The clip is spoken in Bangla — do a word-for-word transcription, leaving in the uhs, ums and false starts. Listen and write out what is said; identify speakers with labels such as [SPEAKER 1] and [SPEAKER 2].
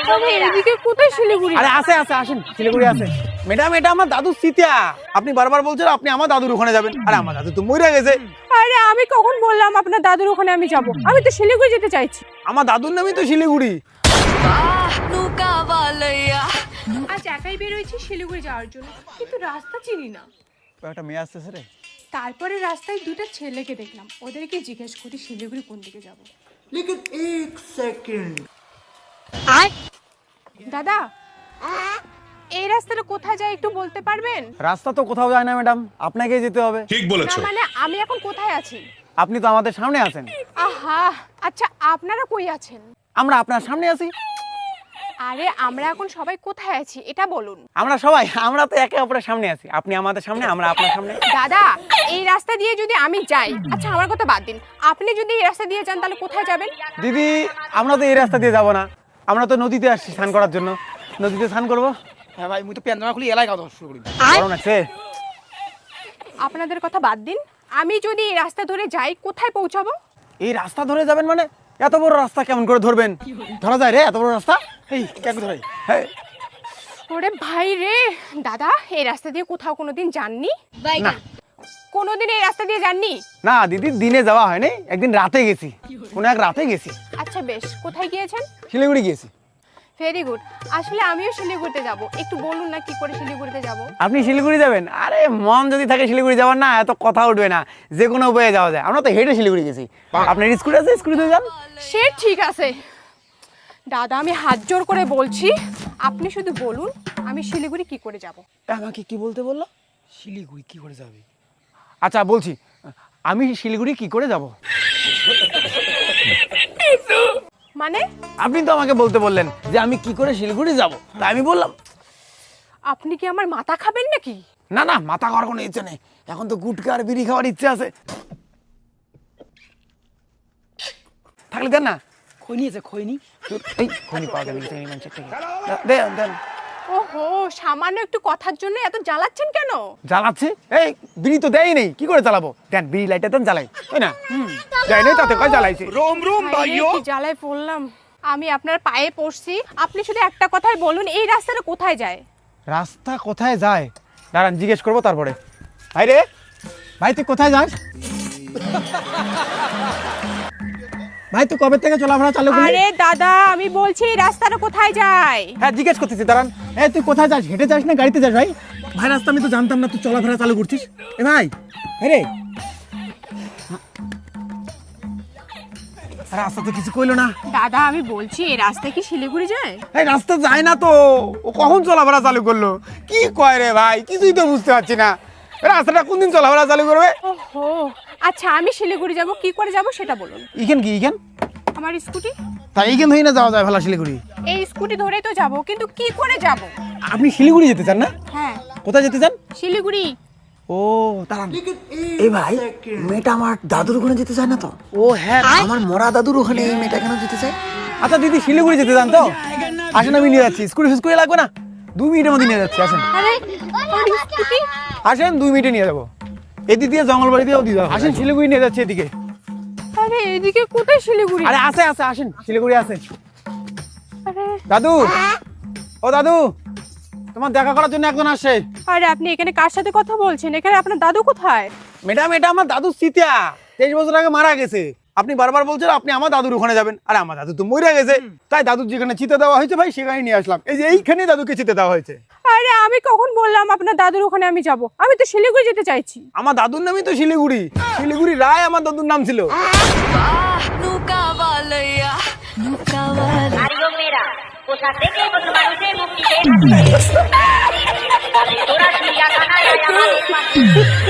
[SPEAKER 1] এদিকে কোথায় শিলিগুড়ি?
[SPEAKER 2] আরে আছে আছে আসেন, শিলিগুড়ি আছে। ম্যাডাম এটা আমার দাদু সিতিয়া, আপনি বারবার বলছেন আপনি আমার দাদুর ওখানে যাবেন, আরে আমার দাদু তো মরে গেছে।
[SPEAKER 1] আরে আমি কখন বললাম আপনার দাদুর ওখানে আমি যাব? আমি তো শিলিগুড়ি যেতে চাইছি।
[SPEAKER 2] আমার দাদুর নামই তো শিলিগুড়ি।
[SPEAKER 1] আজ একাই বেরোইছি শিলিগুড়ি যাওয়ার জন্য, কিন্তু রাস্তা চিনি না।
[SPEAKER 2] একটা মেয়ে আসতেছে রে।
[SPEAKER 1] তারপরে রাস্তায় দুটো ছেলেকে দেখলাম, ওদেরকে জিজ্ঞেস করি শিলিগুড়ি কোন দিকে যাব।
[SPEAKER 3] लेकिन एक सेकंड
[SPEAKER 1] দাদা, এই রাস্তাটা কোথায় যায় একটু বলতে পারবেন?
[SPEAKER 2] রাস্তা তো কোথাও যায় না ম্যাডাম, আপনাকেই যেতে হবে।
[SPEAKER 4] ঠিক
[SPEAKER 1] না
[SPEAKER 4] বলেছো।
[SPEAKER 1] মানে আমি এখন কোথায় আছি?
[SPEAKER 2] আপনি তো আমাদের সামনে আছেন।
[SPEAKER 1] আহা, আচ্ছা আপনারা কই আছেন?
[SPEAKER 2] আমরা আপনার সামনে আছি।
[SPEAKER 1] আরে আমরা এখন সবাই কোথায় আছি এটা বলুন।
[SPEAKER 2] আমরা সবাই আমরা তো একে অপরের সামনে আছি, আপনি আমাদের সামনে, আমরা আপনার সামনে।
[SPEAKER 1] দাদা, এই রাস্তা দিয়ে যদি আমি যাই, আচ্ছা আমার কথা বাদ দিন, আপনি যদি এই রাস্তা দিয়ে যান তাহলে কোথায় যাবেন?
[SPEAKER 2] দিদি আমরা তো এই রাস্তা দিয়ে যাব না, আমরা তো নদীতে আসছি স্নান করার জন্য, নদীতে স্নান করবো।
[SPEAKER 5] হ্যাঁ ভাই, মুই তো পেন্দামা খুলি এলাই কথা শুরু করি।
[SPEAKER 2] কারণ আছে
[SPEAKER 1] আপনাদের কথা বাদ দিন, আমি যদি এই রাস্তা ধরে যাই কোথায় পৌঁছাবো?
[SPEAKER 2] এই রাস্তা ধরে যাবেন মানে এত বড় রাস্তা কেমন করে ধরবেন? ধরা যায় রে এত বড় রাস্তা?
[SPEAKER 5] এই কেন ধরে?
[SPEAKER 2] হ্যাঁ
[SPEAKER 1] ওরে ভাই রে, দাদা এই রাস্তা দিয়ে কোথাও কোনোদিন যাননি?
[SPEAKER 2] না
[SPEAKER 1] কোনোদিন এই রাস্তা দিয়ে যাননি?
[SPEAKER 2] না দিদি, দিনে যাওয়া হয়নি, একদিন রাতে গেছি, কোন এক রাতে গেছি।
[SPEAKER 1] আচ্ছা বেশ, কোথায় গিয়েছেন?
[SPEAKER 2] শিলিগুড়ি গিয়েছি।
[SPEAKER 1] Very good. আসলে আমিও শিলিগুড়িতে যাব, একটু বলুন না কি করে শিলিগুড়িতে যাব?
[SPEAKER 2] আপনি শিলিগুড়ি যাবেন? আরে মন যদি থাকে শিলিগুড়ি যাওয়ার, না এত কথা উঠবে না, যে কোনো উপায়ে যাওয়া যায়। আমরা তো হেঁটে শিলিগুড়ি গেছি। আপনার স্কুটি আছে, স্কুটিতে যান।
[SPEAKER 1] সে ঠিক আছে দাদা, আমি হাত জোর করে বলছি, আপনি শুধু বলুন আমি শিলিগুড়ি কি করে যাব?
[SPEAKER 2] আমাকে কি বলতে বললো?
[SPEAKER 5] শিলিগুড়ি কি করে যাবে?
[SPEAKER 2] আচ্ছা বলছি, আমি শিলিগুড়ি কি করে যাব?
[SPEAKER 1] মানে
[SPEAKER 2] আপনি তো আমাকে বলতে বললেন যে আমি কি করে শিলিগুড়ি যাব, তাই আমি বললাম।
[SPEAKER 1] আপনি কি আমার মাথা খাবেন নাকি?
[SPEAKER 2] না না, মাথা খাওয়ার কোনো ইচ্ছে নেই, এখন তো গুটকা আর বিড়ি খাওয়ার ইচ্ছে আছে। থাকলে দেন না।
[SPEAKER 5] খৈনি আছে খৈনি।
[SPEAKER 2] এই খনি পাওয়া যাবে কিন্তু এই মানুষের থেকে। দেন দেন।
[SPEAKER 1] ওহো, সামান্য একটু কথার জন্য এত জ্বালাচ্ছেন কেন?
[SPEAKER 2] জ্বালাচ্ছে? এই বিড়ি তো দেয় নেই, কি করে জ্বালাবো? দেন বিড়ি লাইটার দেন, জ্বালাই, তাই না? হুম দেয় নেই তাতে কয় জ্বালাইছে।
[SPEAKER 5] রোম রোম
[SPEAKER 1] ভাই রে, কি জ্বালায় পড়লাম। আমি আপনার পায়ে পড়ছি, আপনি শুধু একটা কথাই বলুন, এই রাস্তাটা কোথায় যায়?
[SPEAKER 2] রাস্তা কোথায় যায় দাঁড়ান জিজ্ঞেস করবো তারপরে। ভাই রে, ভাই তুই কোথায় যাস? ভাই তুই কবে থেকে চলাফেরা চালু করলি?
[SPEAKER 1] আরে দাদা, আমি বলছি এই রাস্তাটা কোথায় যায়?
[SPEAKER 2] হ্যাঁ জিজ্ঞেস করতেছি, দাঁড়ান। এই তুই কোথায় যাস, হেঁটে যাস না গাড়িতে যাস? ভাই ভাই রাস্তা আমি তো জানতাম না, তুই চলাফেরা চালু করছিস। এ ভাই রে, রাস্তা তো কিছু কইলো না।
[SPEAKER 1] দাদা আমি বলছি এই রাস্তা কি শিলিগুড়ি যায়?
[SPEAKER 2] এই রাস্তা যায় না তো, ও কখন চলাফেরা চালু করলো? কি কয় রে ভাই, কিছুই তো বুঝতে পারছি না। রাস্তাটা কোনদিন চলাফেরা চালু করবে?
[SPEAKER 1] ওহো, আচ্ছা আমি শিলিগুড়ি যাব, কি করে যাব সেটা বলুন।
[SPEAKER 2] ইখান কি ইখান?
[SPEAKER 1] আমার স্কুটি।
[SPEAKER 2] তাই এইখান থেকে না যাওয়া যায় ভালো শিলিগুড়ি?
[SPEAKER 1] এই স্কুটি ধরেই তো যাব, কিন্তু কি করে যাব?
[SPEAKER 2] আপনি শিলিগুড়ি যেতে চান না?
[SPEAKER 1] হ্যাঁ
[SPEAKER 2] কোথায় যেতে চান?
[SPEAKER 1] শিলিগুড়ি।
[SPEAKER 2] ও দাঁড়ান।
[SPEAKER 3] लेकिन
[SPEAKER 6] এই
[SPEAKER 3] एक
[SPEAKER 6] ভাই,
[SPEAKER 3] सेकंड
[SPEAKER 6] মেয়েটা আমার দাদুর ওখানে যেতে চায় না তো?
[SPEAKER 2] ও হ্যাঁ,
[SPEAKER 6] আমার মরা দাদুর ওখানে এই মেয়েটা কেন যেতে চায়?
[SPEAKER 2] আচ্ছা দিদি শিলিগুড়ি যেতে চান তো? আসেন আমি নিয়ে যাচ্ছি, স্কুটি ফিস্কুটি লাগবে না, দুই মিনিটের মধ্যে নিয়ে যাচ্ছি। আসেন
[SPEAKER 1] আরে আমার স্কুটি।
[SPEAKER 2] আসেন, দুই মিনিটে নিয়ে যাবো। এদিক দিয়ে জঙ্গলবাড়ি দিয়েও দিয়ে যাবো। আসেন শিলিগুড়ি নিয়ে যাচ্ছি এদিকে।
[SPEAKER 1] আরে এদিকে কোথায় শিলিগুড়ি?
[SPEAKER 2] আরে আছে আছে, আসেন শিলিগুড়ি আছে।
[SPEAKER 1] আরে
[SPEAKER 2] দাদু, ও দাদু, তোমার দেখা করার জন্য একজন আসছে।
[SPEAKER 1] আরে আপনি এখানে কার সাথে কথা বলছেন? এখানে আপনার দাদু কোথায়?
[SPEAKER 2] ম্যাডাম এটা আমার দাদু সিতিয়া, তেইশ বছর আগে মারা গেছে। আপনি বারবার বলছেন আপনি আমার দাদুর ওখানে যাবেন, আরে আমার দাদু তো মরে গেছে, তাই দাদুর যেখানে চিতে দেওয়া হয়েছে ভাই সেখানে নিয়ে আসলাম। এই যে এইখানে দাদুকে চিতে দেওয়া হয়েছে।
[SPEAKER 1] আরে আমি কখন বললাম আপনার দাদুর ওখানে আমি যাব? আমি তো শিলিগুড়ি যেতে চাইছি।
[SPEAKER 2] আমার দাদুর নামই তো শিলিগুড়ি, শিলিগুড়ি রায় আমার দাদুর নাম ছিল।
[SPEAKER 7] Mario Mera, cosa sé que vos no me mucho